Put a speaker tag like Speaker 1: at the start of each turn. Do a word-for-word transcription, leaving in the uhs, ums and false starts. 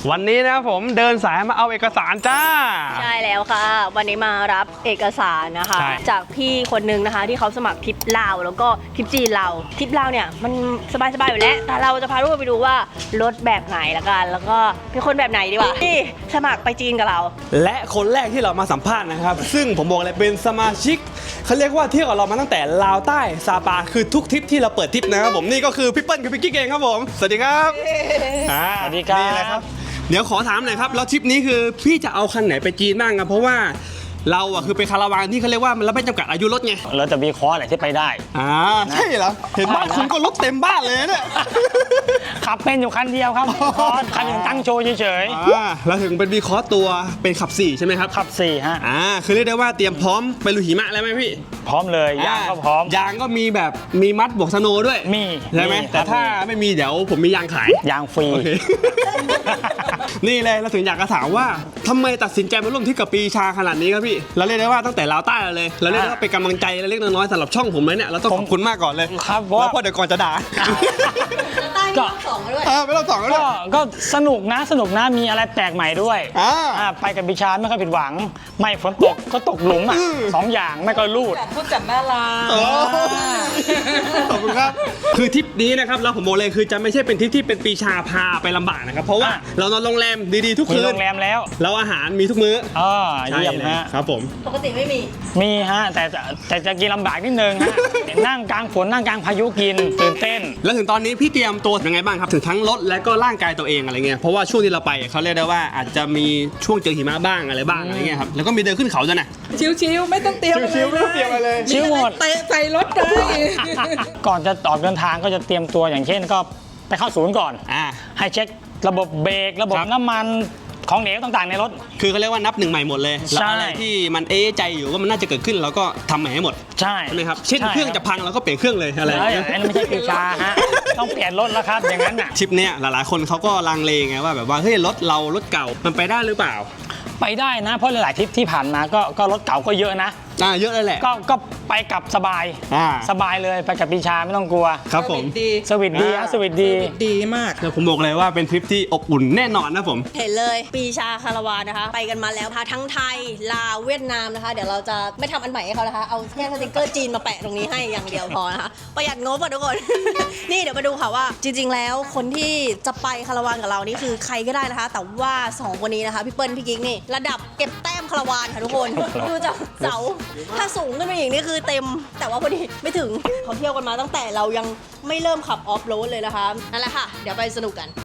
Speaker 1: วันนี้นะครับผมเดินสายมาเอาเอกสารจ้า
Speaker 2: ใช่แล้วค่ะวันนี้มารับเอกสารนะคะจากพี่คนนึงนะคะที่เขาสมัครทริปลาวแล้วก็ทริปจีนเราทริปลาวเนี่ยมันสบายๆอยู่แล้วแต่เราจะพาทุกคนไปดูว่ารถแบบไหนละกันแล้วก็เป็นคนแบบไหนดีวะที่สมัครไปจีนกับเรา
Speaker 1: และคนแรกที่เรามาสัมภาษณ์นะครับซึ่งผมบอกเลยเป็นสมาชิกเขาเรียกว่าเที่ยวกับเรามาตั้งแต่ลาวใต้ซาปาคือทุกทริปที่เราเปิดทริปนะครับผมนี่ก็คือพี่เปิ้ลกับพี่กิ๊กเองครับผมสวัสดีครับ
Speaker 3: สวัสดีครับ
Speaker 1: นี่เลยครับเดี๋ยวขอถามหน่อยครับแล้วทริปนี้คือพี่จะเอาคันไหนไปจีนบ้างครับเพราะว่าเราอะคือเป็นคาราวานที่เขาเรียกว่ามันไม่จำกัดอายุรถไง
Speaker 3: เราจะมีคอร์สอะไรที่ไปได้
Speaker 1: อ่าใช่เหรอเห็นบ้านคุณก็รถเต็มบ้านเลยเนี่ย
Speaker 3: ขับเป็นอยู่คันเดียวครับคอร์สคันหนึ่งตั้งโชว์เฉย
Speaker 1: ๆอ่าเราถึงเป็นวีคอร์สตัวเป็นขับสี่ใช่ไหมครับ
Speaker 3: ขับสี่ฮะ
Speaker 1: อ่าคือเรียกได้ว่าเตรียมพร้อมไปลุยหิมะแล้วไหมพี่
Speaker 3: พร้อมเลยยางก็พร้อม
Speaker 1: ยางก็มีแบบมีมัดบวกสโนด้วย
Speaker 3: มี
Speaker 1: ใช่ไหมแต่ถ้าไม่มีเดี๋ยวผมมียางขาย
Speaker 3: ยางฟรี
Speaker 1: นี่เลยเราถึงอยากจะถามว่าทำไมตัดสินใจมาร่วมทริปกับปีชาขนาดนี้ครับพี่เราเรียกได้ว่าตั้งแต่ลาวใต้เลยเราเรียกได้ว่าเป็นกำลังใจเล็กน้อยสำหรับช่องผมเลยเนี่ยเราต้องขอบคุณมากก่อนเลย
Speaker 3: ครับ
Speaker 1: แล้วพอเดี๋ยวก่อนจะด่า
Speaker 2: ก็สองด้วย
Speaker 1: ไม่ต้องสองด้วย
Speaker 3: ก็สนุกนะสนุกนะมีอะไรแปลกใหม่ด้วย
Speaker 1: อ่า
Speaker 3: ไปกับบิชาไม่ค่อยผิดหวังไม่ฝนตกก็ตกหลุมอ่ะสองอย่างไม่ก็ลูด
Speaker 2: พูดจัดน่ารัก
Speaker 1: ขอบคุณครับคือทริปนี้นะครับเราผมบอกเลยคือจะไม่ใช่เป็นทริปที่เป็นปีชาพาไปลำบากนะครับเพราะว่าเรานอนโรงแรมดีๆทุกคืน
Speaker 3: มีโรงแรมแล้ว
Speaker 1: เราอาหารมีทุกมื้อ
Speaker 3: อ๋อเยี่ยมฮะ
Speaker 1: ครับผม
Speaker 2: ปกติไม่มี
Speaker 3: มีฮะแต่แต่จะกินลำบากนิดนึงฮะนั่งกลางฝนนั่งกลางพายุกินตื่นเต้น
Speaker 1: แล้วถึงตอนนี้พี่เตรียมตัวยังไงบ้างครับถึงทั้งรถและก็ร่างกายตัวเองอะไรเงี้ยเพราะว่าช่วงที่เราไปเขาเรียกได้ว่าอาจจะมีช่วงเจอหิมะบ้างอะไรบ้างอะไรเงี้ยครับแล้วก็มีเดินขึ้นเขาด้วยนะ
Speaker 2: ชิวๆไม่ต้องเตรียม
Speaker 1: ชิวๆไม่ต้องเตรียมอะไรเลย
Speaker 3: ชิวหมด
Speaker 2: เตะใส่รถเลย
Speaker 3: ก่อนจะออกเดินทางก็จะเตรียมตัวอย่างเช่นก็ไปเข้าศูนย์ก่อน
Speaker 1: อ่า
Speaker 3: ให้เช็คระบบเบรกระบบน้ำมันของเหลวต่างๆในรถ
Speaker 1: คือเขาเรียกว่านับหนึ่งใหม่หมดเลยแล้วอะไรที่มันเอ๊ะใจอยู่ว่ามันน่าจะเกิดขึ้นเราก็ทำใหม่ให้หมด
Speaker 3: ใช่
Speaker 1: ใช่ไหมครับเช่นเครื่องจะพังเราก็เปลี่ยนเครื่องเลยอะไร
Speaker 3: อันนั้นไม่ใช่ปีชาฮะต้องเปลี่ยนรถแล้วครับอย่างนั้นอ่ะ
Speaker 1: ทริปเนี้ยหลายๆคนเขาก็ลังเลไงว่าแบบว่าเฮ้ยรถเรารถเก่ามันไปได้หรือเปล่า
Speaker 3: ไปได้นะเพราะหลายๆทริปที่ผ่านมาก็ก็รถเก่าก็เยอะนะ
Speaker 1: อ่าเยอะเลยแหละ
Speaker 3: ก็ก็ไปกับสบาย
Speaker 1: อ่า
Speaker 3: สบายเลยไปกับปีชาไม่ต้องกลัว
Speaker 1: ครับผม
Speaker 3: สวิตดีฮะสวิตดี
Speaker 2: ดีมาก
Speaker 1: ผมบอกเลยว่าเป็นทริปที่อบอุ่นแน่นอนนะผม
Speaker 2: เห็นเลยปีชาคาราวานนะคะไปกันมาแล้วค่ะทั้งไทยลาวเวียดนามนะคะเดี๋ยวเราจะไม่ทำอันใหม่ให้เขานะคะเอาแค่สติ๊กเกอร์จีนมาแปะตรงนี้ให้อย่างเดียวพอนะคะประหยัดงบอ่ะทุกคน นี่เดี๋ยวมาดูค่ะว่าจริงๆแล้วคนที่จะไปคาราวานกับเรานี่คือใครก็ได้นะคะแต่ว่าสองคนนี้นะคะพี่เปิ้ลพี่กิ๊กนี่ระดับเก็บแต้มคาราวานค่ะทุกคนดูจากเสาถ้าสูงขึ้นไปอีกนี่คือเต็มแต่ว่าพอดีไม่ถึงเขาเที่ยวกันมาตั้งแต่เรายังไม่เริ่มขับออฟโรดเลยนะคะนั่นแหละค่ะเดี๋ยวไปสนุกกัน